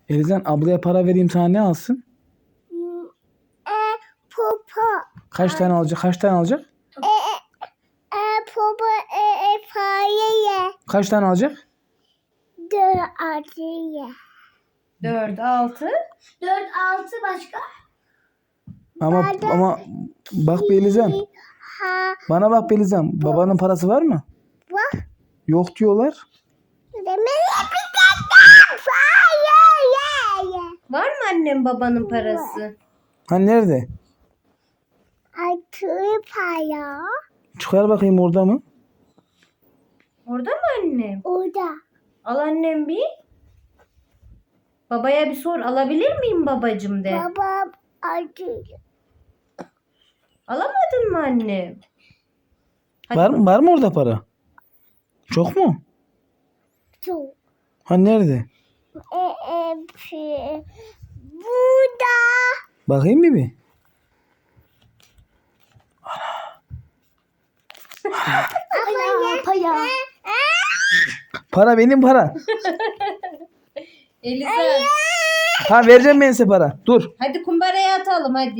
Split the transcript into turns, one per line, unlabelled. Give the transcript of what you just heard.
Elizan ablaya para vereyim sana ne alsın?
Popo.
Kaç tane alacak? Kaç tane alacak?
Popo parayı.
Kaç tane alacak?
4 acıya.
4, 6.
4 6 başka?
Ama bak be Elizan.
Ha.
Bana bak be Elizan. Babanın parası var mı?
Var.
Yok diyorlar.
Demek bir tane parayı.
Var mı annem babanın parası?
Ha nerede?
Altı para.
Çıkar bakayım orada mı?
Orada mı annem?
Orada.
Al annem bir. Babaya bir sor. Alabilir miyim babacım de.
Babam acı.
Alamadın mı annem? Hadi
Var mı orada para? Çok mu?
Çok.
Ha nerede?
Burada.
Bakayım mı bir?
Para.
Para benim para.
Eliza.
Ha vereceğim ben size para. Dur.
Hadi kumbaraya atalım hadi.